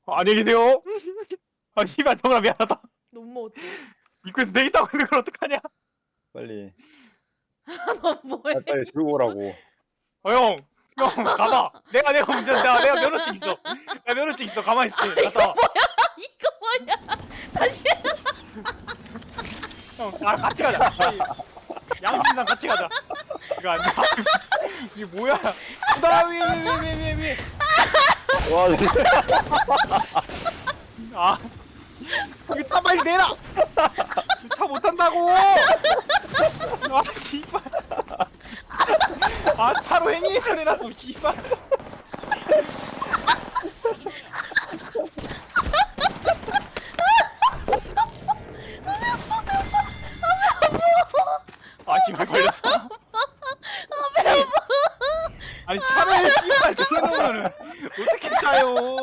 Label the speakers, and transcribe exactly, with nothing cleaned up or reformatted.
Speaker 1: 안녕히 계세요. 아 씨발 정아 미안하다.
Speaker 2: 너 못 먹었지?
Speaker 1: 입구에서 내 있다고 있는 걸 어떡하냐?
Speaker 3: 빨리
Speaker 2: 너 뭐해?
Speaker 3: 빨리, 빨리 들고 오라고.
Speaker 1: 어 형, 형 가봐. 내가 내가 운전 내가 내가 면허증 있어. 내가 면허증 있어. 가만히 있을게. 갔다 와.
Speaker 2: 이거 뭐야? 다시
Speaker 1: 형, 아 같이 가자. 양심상 같이 가자. 이거 아니야. 이게 뭐야? 나 위에 위에 위에 위에 위에.
Speaker 3: 와 진짜.
Speaker 1: 아, 이거 차 빨리 내라. 차 못 탄다고. 아 씨발. 아 차로 행위해서 내놨어 씨발.